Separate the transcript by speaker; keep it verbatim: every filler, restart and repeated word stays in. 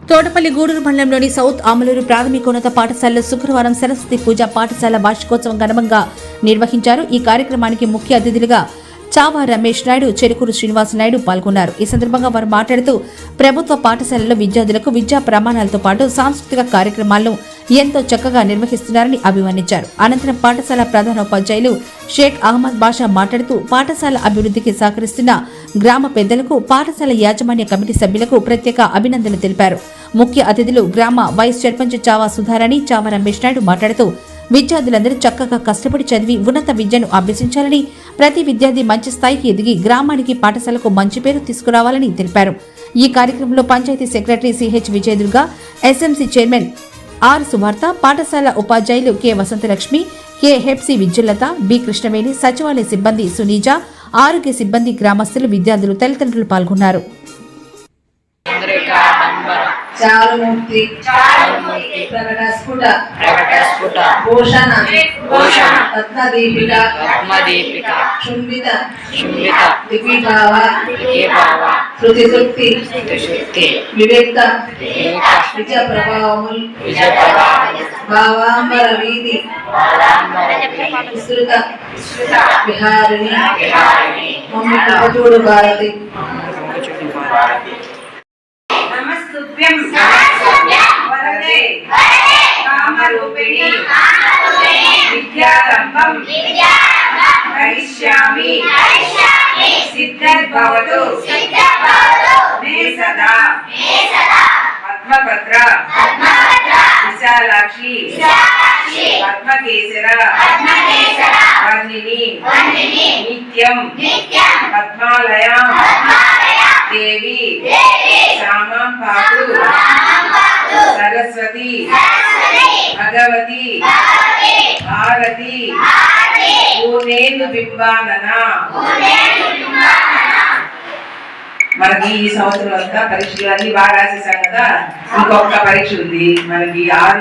Speaker 1: తోటపల్లి గూడూరు మండలంలోని సౌత్ ఆమలూరు ప్రాథమికోన్నత పాఠశాలలో శుక్రవారం సరస్వతి పూజ పాఠశాల వార్షికోత్సవం ఘనంగా నిర్వహించారు. ఈ కార్యక్రమానికి ముఖ్య అతిథులుగా చావా రమేష్ నాయుడు, చెరుకూరు శ్రీనివాస నాయుడు పాల్గొన్నారు. ఈ సందర్భంగా వారు మాట్లాడుతూ ప్రభుత్వ పాఠశాలలో విద్యార్థులకు విద్యా ప్రమాణాలతో పాటు సాంస్కృతిక కార్యక్రమాలను ఎంతో చక్కగా నిర్వహిస్తున్నారని అభివర్ణించారు. అనంతరం పాఠశాల ప్రధానోపాధ్యాయులు షేక్ అహ్మద్ బాషా మాట్లాడుతూ పాఠశాల అభివృద్ధికి సహకరిస్తున్న గ్రామ పెద్దలకు, పాఠశాల యాజమాన్య కమిటీ సభ్యులకు ప్రత్యేక అభినందనలు తెలిపారు. ముఖ్య అతిథులు గ్రామ వైస్ సర్పంచ్ చావా సుధారాణి, చావా రమేష్ నాయుడు మాట్లాడుతూ విద్యార్థులందరూ చక్కగా కష్టపడి చదివి ఉన్నత విద్యను అభ్యసించాలని, ప్రతి విద్యార్థి మంచి స్థాయికి ఎదిగి గ్రామానికి, పాఠశాలకు మంచి పేరు తీసుకురావాలని తెలిపారు. ఈ కార్యక్రమంలో panchayati secretary CH Vijayadurga, SMC chairman R Suvartha, పాఠశాల ఉపాధ్యాయులు K Vasanthalakshmi, K Hepsi Vidyullatha, B Krishnaveni, సచివాలయ సిబ్బంది సునీజ, ఆరోగ్య సిబ్బంది, గ్రామస్తులు, విద్యార్థులు, తల్లిదండ్రులు పాల్గొన్నారు.
Speaker 2: చారుమూర్తి ప్రకటస్ఫుట భూషణ పద్మదీపిక చుంబిత దివిభావ శృతిశుక్తి వివేక్త విజ ప్రభావముల్ భావాంబర వీధి విస్తృత విహారిణి మమ్మి కృపచూడు భారతి.
Speaker 3: నమస్తుభ్యం వరదే కామరూపిణి విద్యారంభం కరిష్యామి సిద్ధిర్భవతు మే సదా పద్మభద్ర విశాలాక్షి పద్మకేసర వర్ణిని నిత్యం పద్మాలయాం దేవి శ్యామాం పాతు సరస్వతి భగవతి భారతి పూర్ణేందు బింబానన. మనకి ఈ సంవత్సరం అంతా పరీక్షలు అన్ని బాగా రాసేసాం కదా, ఇంకొక పరీక్ష ఉంది మనకి ఆరు